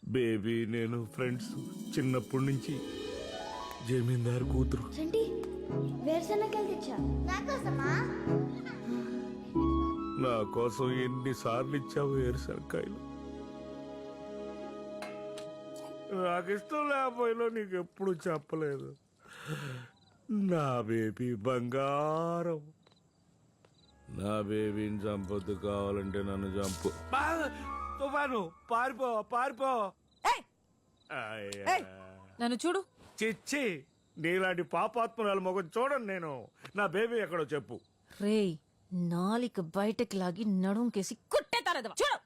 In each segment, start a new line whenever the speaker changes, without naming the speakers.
Baby నేను friends చిన్నప్పటి నుంచి. జమీందారు కూతురు.
చంటి వేరుశనగలు తెచ్చా నాకోసమా?
నా కోసం ఎన్నిసార్లు ఇచ్చావు వేరుశనకాయలు. నాకు ఇష్టం లేకపోయినా నీకు ఎప్పుడు చెప్పలేదు. నా బేబీ బంగారం. నా బేబీని చంపొద్దు, కావాలంటే నన్ను చంపు. తుఫాను పారిపో పారిపో.
నన్ను చూడు.
చిచ్చి, నీలాంటి పాపాత్మరాలు మొగం చూడండి నేను. నా బేబీ ఎక్కడో చెప్పు.
రేయ్, నాలిక బయటకి లాగి నడుంకేసి కుట్టేతారదవా. చూడు,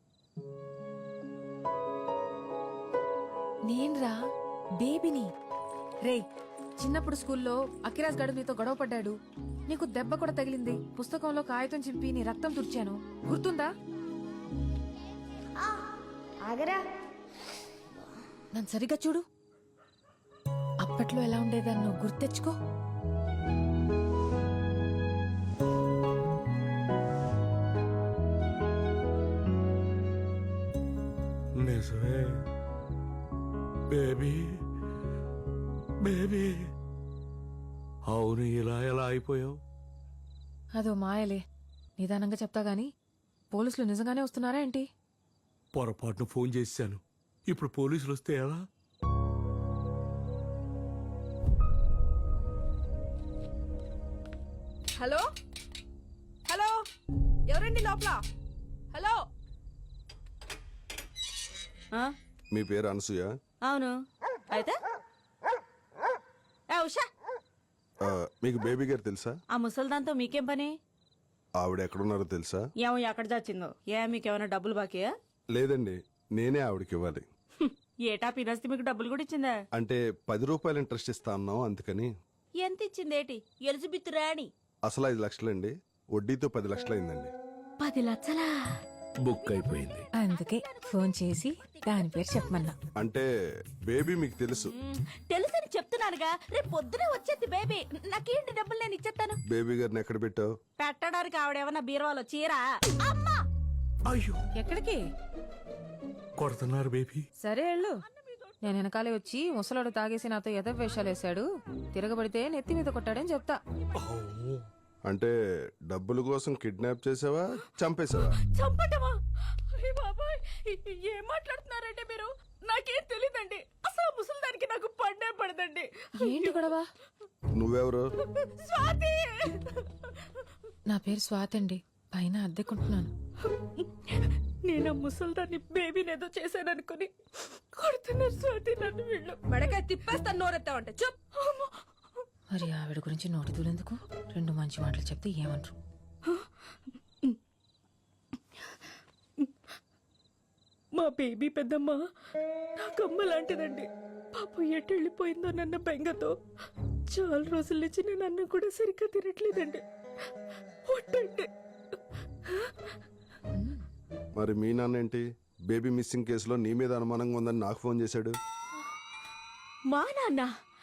నేన్రా బేబీని. రేయ్, చిన్నప్పుడు స్కూల్లో అఖిరాజ్ గడు నీతో గొడవ పడ్డాడు. నీకు దెబ్బ కూడా తగిలింది. పుస్తకంలో కాగితం చింపి నీ రక్తం తుడిచాను, గుర్తుందా?
ఆగరా,
నన్ను సరిగ్గా చూడు. అప్పట్లో ఎలా ఉండేదాన్ని నువ్వు గుర్తెచ్చుకో.
నిజమే బేబీ. బేబీ, అవును, ఇలా ఎలా అయిపోయావు?
అదో మాయలే. నిదానంగా చెప్తా గాని, పోలీసులు నిజంగానే వస్తున్నారా ఏంటి?
పొరపాటును ఫోన్ చేశాను. ఇప్పుడు పోలీసులు వస్తే ఎలా?
హలో హలో, ఎవరండి లోపల? హలో.
మీ పేరు అనసూయ?
అవును. అయితే ఉషా,
మీకు బేబీ గారు తెలుసా?
ఆ ముసల్దాంతో మీకేం పని?
ఆవిడ ఎక్కడున్నారో తెలుసా?
ఏమో ఎక్కడ చచ్చిందో. మీకేమైనా డబ్బులు బాకీయా?
లేదండి, నేనే ఆవిడకి ఇవ్వాలి.
ఏటా పినస్తి మీకు డబ్బులు కూడా ఇచ్చిందా?
అంటే 10 రూపాయలు ఇంట్రెస్ట్ ఇస్తా అన్నాం, అందుకని.
ఎంత ఇచ్చిందేటి? ఎలిజబెత్ రాణి.
అసలు 5 లక్షలండి, వడ్డీతో 10 లక్షలైందండి.
10 లక్షలా?
బుక్ అయిపోయింది.
అందుకే ఫోన్ చేసి దాని పేరు చెప్పమన్నా.
అంటే బేబీ మీకు తెలుసు?
తెలుసని చెప్తున్నానుగా. రేపు పొద్దునే వచ్చేది బేబీ. నాకేంటి డబ్బులు నేను ఇచ్చేస్తాను.
బేబీ గారిని ఎక్కడ పెట్టావు?
పెట్టడానికి ఆవిడేమన్నా బీరువాలో చీరా? అమ్మా,
అయ్యో,
ఎక్కడికి
కొడుతున్నారు బేబీ.
సరే వెళ్ళు. నేను వెనకాలే వచ్చి ముసలాడు తాగేసి నాతో ఎదవేషాలు వేశాడు, తిరగబడితే నెత్తి మీద కొట్టాడని చెప్తా.
అంటే డబ్బుల కోసం కిడ్నాప్ చేసావా, చంపేశావా?
చంపటమా? అయ్య బాబాయ్, ఏం మాట్లాడుతున్నారంటే మీరు? నాకేం తెలీదండి. అసలు ముసలిదానికి నాకు పడ్డే పడదండి.
ఏంటి గొడవ?
నువ్వెవరు?
స్వాతి.
నా పేరు స్వాతి అండి, పైన అద్దెకుంటున్నాను.
నేను ఆ ముసలిదాన్ని బేబీనేదో చేశాననుకుని కొడుతున్నారు స్వాతి నన్ను. వీళ్ళు మెడకాయ తిప్పేస్తాను నోరెత్తావంటే. చెప్.
మరి ఆవిడ గురించి నోటి దూలెందుకు? 2 మంచి మాటలు చెప్తే ఏమంటారు?
మా బేబీ పెద్దమ్మ నాకమ్మ లాంటిదండి. పాపం ఎటు వెళ్ళిపోయిందో నన్న బెంగతో చాలా రోజుల నుంచి నేను అన్నం కూడా సరిగ్గా తినట్లేదండి. ఒట్టండి.
మరి మీ నాన్న ఏంటి బేబీ మిస్సింగ్ కేసులో నీ మీద అనుమానంగా ఉందని నాకు ఫోన్ చేశాడు?
మా నాన్న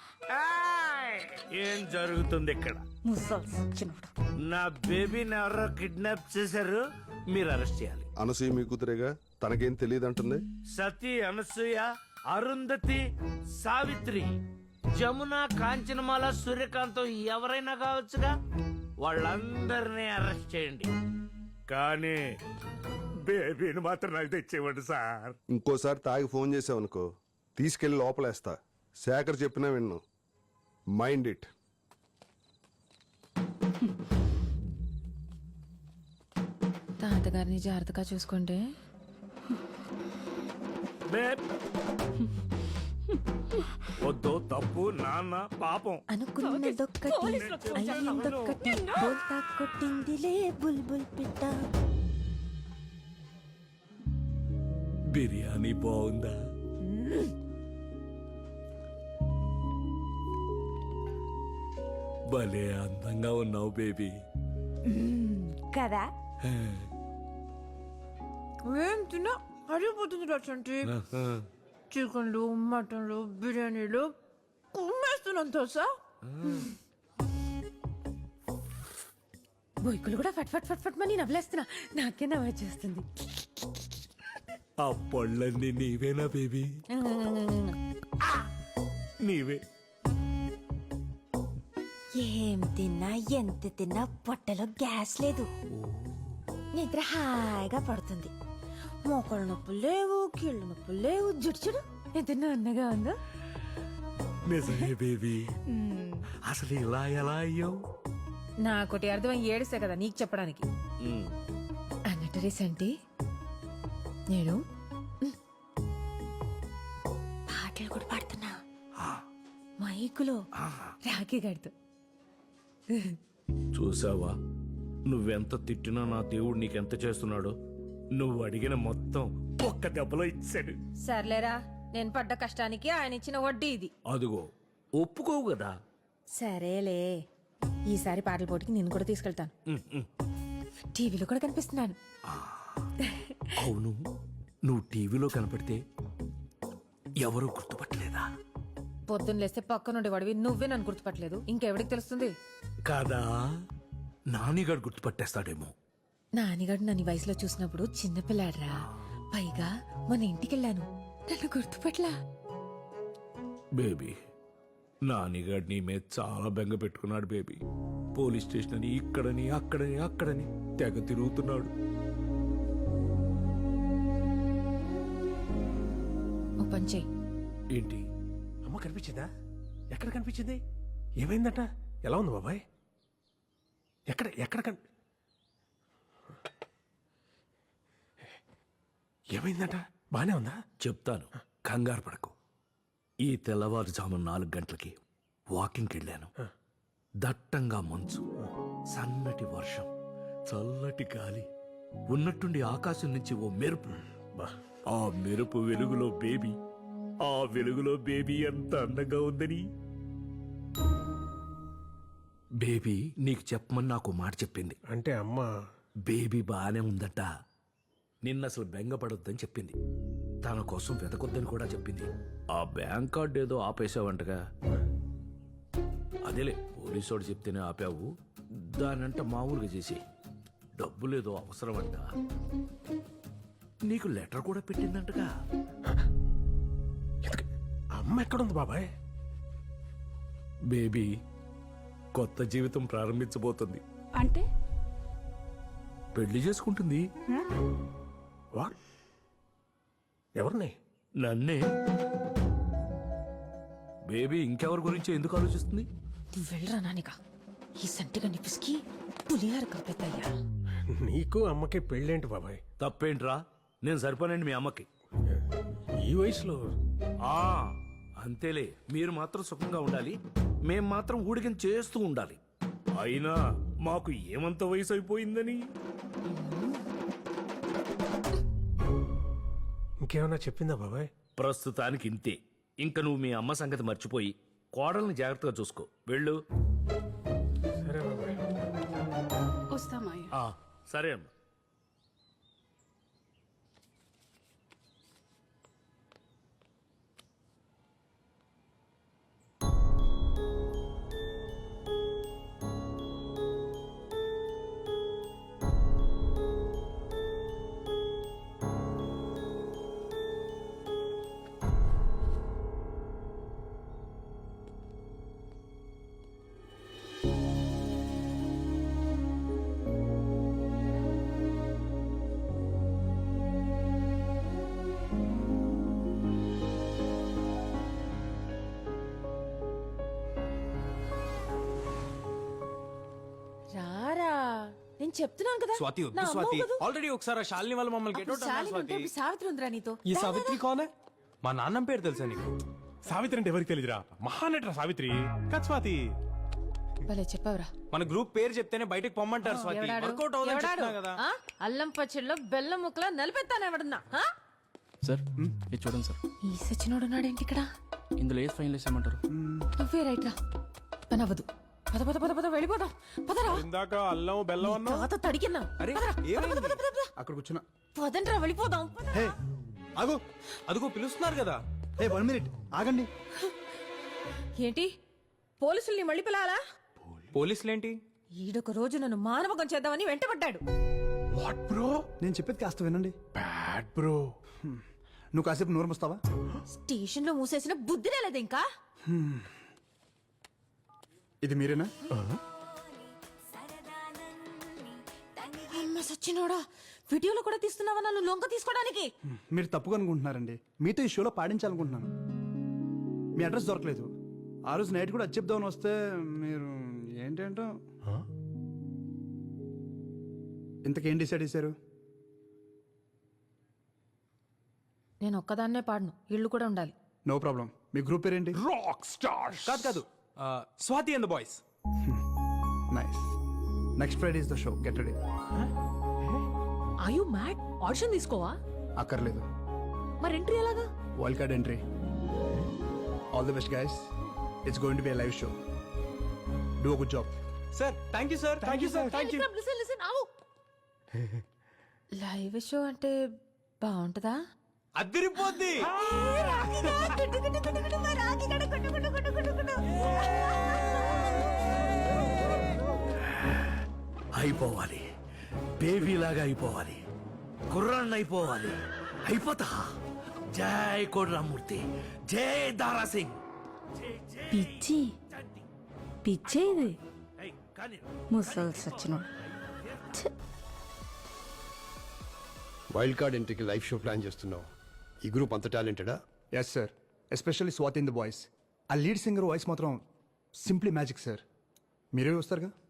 ఏం జరుగుతుంది ఇక్కడ? నా బేబీని ఎవరో కిడ్నాప్ చేశారు, మీరు అరెస్ట్ చేయాలి.
అనసూయ మీ కూతురేగా, తనకేం తెలియదు అంటుంది.
సతీ, అనసూయ, అరుంధతి, సావిత్రి, జమున, కాంచనమాల, సూర్యకాంతం ఎవరైనా కావచ్చుగా. వాళ్ళందరినీ అరెస్ట్ చేయండి, కానీ బేబీని మాత్రం నాకు తెచ్చేవాడు సార్.
ఇంకోసారి తాగి ఫోన్ చేసావనుకో, తీసుకెళ్లి లోపలేస్తా. శేఖర్ చెప్పినా విన్ను. Mind it.
తాతగారిని జాగ్రత్తగా చూసుకుంటే.
వద్దు, తప్పు, నాన్న పాపం.
అనుకున్నదొక్కటి అయ్యిందొక్కటి, బోల్తా కొట్టిందిలే బుల్బుల్ పిట్ట.
బిర్యానీ బాగుందా? భలే అందంగా ఉన్నావు బేబీ.
కదా?
ఏం తిన్నా అడిగిపోతుంది రచంటి. చికెన్లు, మటన్లు, బిర్యానీలు కుమ్మేస్తున్నాను తెలుసా. బొయ్కులు కూడా ఫట్ ఫట్ ఫట్ ఫట్ మని నవ్వులేస్తున్నా. నాకే నవ్వు వచ్చేస్తుంది.
ఆ పళ్ళన్నీ నీవేనా బేబీ? నీవే.
ఏం తిన్నా ఎంత తిన్నా పొట్టలో గ్యాస్ లేదు. నిద్ర హాయిగా పడుతుంది. మోకాళ్ళ నొప్పులు లేవు, కీళ్ళ నొప్పులు లేవు. జుట్టు చూడు ఎంత అన్నగా ఉందో.
నిజమే బేబీ. అసలు ఇలా ఎలా అయ్యావు?
నాకోటి అర్థమై ఏడిసే కదా నీకు చెప్పడానికి. అన్నట్టు రీసెంట్ నేను పాటలు కూడా పాడుతున్నా మైకులో రాఖీ గడుతూ.
చూసావా, నువ్వెంత తిట్టినా నా దేవుడు నీకెంత చేస్తున్నాడో. నువ్వు అడిగిన మొత్తం ఒక్క దెబ్బలో ఇచ్చాడు.
సర్లేరా, నేను పడ్డ కష్టానికి ఆయన ఇచ్చిన వడ్డీ ఇది.
అదిగో ఒప్పుకోవు కదా.
సరేలే, ఈసారి పాటల పోటీకి నేను కూడా తీసుకెళ్తాను. టీవీలో కూడా కనిపిస్తున్నాను.
అవును, నువ్వు టీవీలో కనపడితే ఎవరు గుర్తుపట్టలేదా?
పొద్దున్న లేస్తే పక్క నుండి వాడివి నువ్వే నన్ను గుర్తుపట్టలేదు, ఇంకెవడికి తెలుస్తుంది?
కాదా, నానిగాడు గుర్తుపట్టేస్తాడేమో.
నానిగాడు నన్ను ఈ వయసులో చూసినప్పుడు చిన్నపిల్లాడ్రా. పైగా మన ఇంటికెళ్ళాను, నన్ను గుర్తుపట్లా.
బేబీ, నానిగాడు నీ మీద చాలా బెంగ పెట్టుకున్నాడు బేబీ. పోలీస్ స్టేషన్ అని ఇక్కడని అక్కడని అక్కడని తెగ తిరుగుతున్నాడు.
ఓ పని చెయ్యి.
ఏంటి?
అమ్మ కనిపించిందా? ఎక్కడ కనిపించింది? ఏమైందట? ఎలా ఉంది బాబాయ్? ఎక్కడ ఎక్కడ ఏమైందట? బానే ఉందా?
చెప్తాను, కంగారు పడకు. ఈ తెల్లవారుజాము 4 గంటలకి వాకింగ్కి వెళ్ళాను. దట్టంగా మంచు, సన్నటి వర్షం, చల్లటి గాలి, ఉన్నట్టుండి ఆకాశం నుంచి ఓ మెరుపు. ఆ మెరుపు వెలుగులో బేబీ, ఆ వెలుగులో బేబీ ఎంత అందంగా ఉందని. బేబీ నీకు చెప్పమని నాకు మాట చెప్పింది.
అంటే అమ్మ
బేబీ బానే ఉందట. నిన్న అసలు బెంగపడొద్దని చెప్పింది. తన కోసం వెతకొద్దని కూడా చెప్పింది. ఆ బ్యాంక్ కార్డు ఏదో ఆపేసావంటగా. అదేలే, పోలీసోడు చెప్తేనే ఆపావు. దానంట మామూలుగా చేసి డబ్బులేదో అవసరం అంట. నీకు లెటర్ కూడా పెట్టిందంటగా.
అమ్మ ఎక్కడుంది బాబాయ్?
బేబీ కొత్త జీవితం ప్రారంభించబోతుంది.
అంటే
పెళ్లి చేసుకుంటుంది.
వాట్? ఎవరిని?
నన్నే. బేబీ ఇంకెవరి గురించి ఎందుకు ఆలోచిస్తుంది?
నువ్వు వెళ్ళరా నానిగా, ఈ సంటిగా నిపిసికి పులిహార కలిపేద్దయ్యా.
నీకు అమ్మకి పెళ్ళేంటి బాబాయ్?
తప్పేంట్రా, నేను సరిపోనండి మీ అమ్మకి.
ఈ వయసులో
ఆ అంతేలే, మీరు మాత్రం సుఖంగా ఉండాలి, మేం మాత్రం ఊడికం చేస్తూ ఉండాలి. అయినా మాకు ఏమంత వయసు అయిపోయిందని.
ఇంకేమన్నా చెప్పిందా బాబాయ్?
ప్రస్తుతానికి ఇంతే. ఇంక నువ్వు మీ అమ్మ సంగతి మర్చిపోయి కోడల్ని జాగ్రత్తగా చూసుకో. వెళ్ళు.
సరే బాబాయ్.
వస్తామాయ.
సరే అమ్మ.
రారా, నేను చెప్తున్నాను కదా.
స్వాతి
నా
వద్దు
అమ్మ
స్వాతి,
వద్దు.
ఆల్రెడీ ఒకసారి ఆ శాలిని వాళ్ళు మమ్మల్ని గెట్ అవుట్
అప్పుడు
అన్నారు
శాలిని ఉంటే
స్వాతి.
ఇప్పుడు సావిత్రి ఉందిరా నీతో.
ఈ సావిత్రి కోనే? మా నాన్నం పేరు తెలుసా నీకు?
సావిత్రి అంటే ఎవరికి తెలియదురా? మహానటరా సావిత్రి. కత్ స్వాతి.
భలే చెప్పావురా.
మన గ్రూప్ పేరు చెప్తేనే బయటకు పొమ్మంటారు స్వాతి.
ఎవడాడు?
వర్కౌట్ అవుదని
ఎవడాడు?
చెప్తున్నా కదా.
ఆ? అల్లం పచ్చడిలో బెల్లం ముక్కలా నలిపెత్తాను ఎవడన్నా. ఆ?
సార్ ఇది చూడండి సార్,
ఈ సచినోడు ఉన్నాడేంటి ఇక్కడ?
ఇందులో ఏది ఫైనల్ వేసామంటారు?
నువ్వే రైట్ రా, పని అవ్వదు. పద పద పద పద వెళ్ళిపోదాం. పదరా.
ఇందాక అల్లం బెల్లం అన్నా.
తాత తడికిన్నా.
అరే ఏమైంది?
అక్కడ కూర్చున్నా.
పదండ్రా వెళ్ళిపోదాం. పద.
హే ఆగు,
అదిగో పిలుస్తున్నారు కదా.
హే 1 మినిట్ ఆగండి.
ఏంటి పోలీసుల్ని మళ్ళీ పిలాలా?
పోలీసులేంటి?
ఈడొక రోజు నన్ను మానవకం చేద్దామని వెంటబడ్డాడు.
What bro?
నేను చెప్పేది కాస్త వినండి.
Bad bro.
నువ్వు కాసేపు నోరు మూస్తావా?
స్టేషన్ లో మూసేసిన బుద్ధి లేదు ఇంకా.
ఇది మీరేనా?
అమ్మ సచ్చినోడా, వీడియోలో కూడా తీస్తున్నావా నన్ను లొంగ తీసుకోవడానికి?
మీరు తప్పుగా అనుకుంటున్నారండి. మీతో ఈ షోలో పాడించాలనుకుంటున్నాను. మీ అడ్రస్ దొరకలేదు. ఆ రోజు నైట్ కూడా అది చెప్దామని వస్తే మీరు ఏంటేంటో. ఇంతకేం డిసైడ్ చేశారు?
నేను ఒక్కదాన్నే పాడను, ఇళ్ళు కూడా ఉండాలి.
No problem. మీ గ్రూప్ పేరేంటి?
Rock stars.
కాదు Swathi and the boys.
Nice. Next Friday is the show. Get ready.
Are you mad? Audition తీసుకోవా?
అక్కర్లేదు.
మరి ఎంట్రీ ఎలాగా?
Wild card entry. All the best guys. It's going to be a live show. Do a good job.
Sir thank you sir. Thank you sir. Thank you.
Live show అంటే బాగుంటుందా?
అదిరిపోద్ది.
అయిపోవాలి, బేబీలాగా అయిపోవాలి, కుర్రాన్ని అయిపోవాలి. అయిపోతా. జై కోడ్రామూర్తి, జై దారా సింగ్.
పిచ్చి పిచ్చే ఇది.
ఏయ్, కానీ
ముసలి సచ్చినోడు.
వైల్డ్ కార్డ్ ఎంట్రీకి లైవ్ షో ప్లాన్ చేస్తున్నావు. ఈ గ్రూప్ అంత టాలెంటెడా?
Yes sir. Especially Swathi in the voice. ఆ లీడ్ సింగర్ వాయిస్ మాత్రం సింప్లీ మ్యాజిక్ సార్. మీరే వస్తారుగా?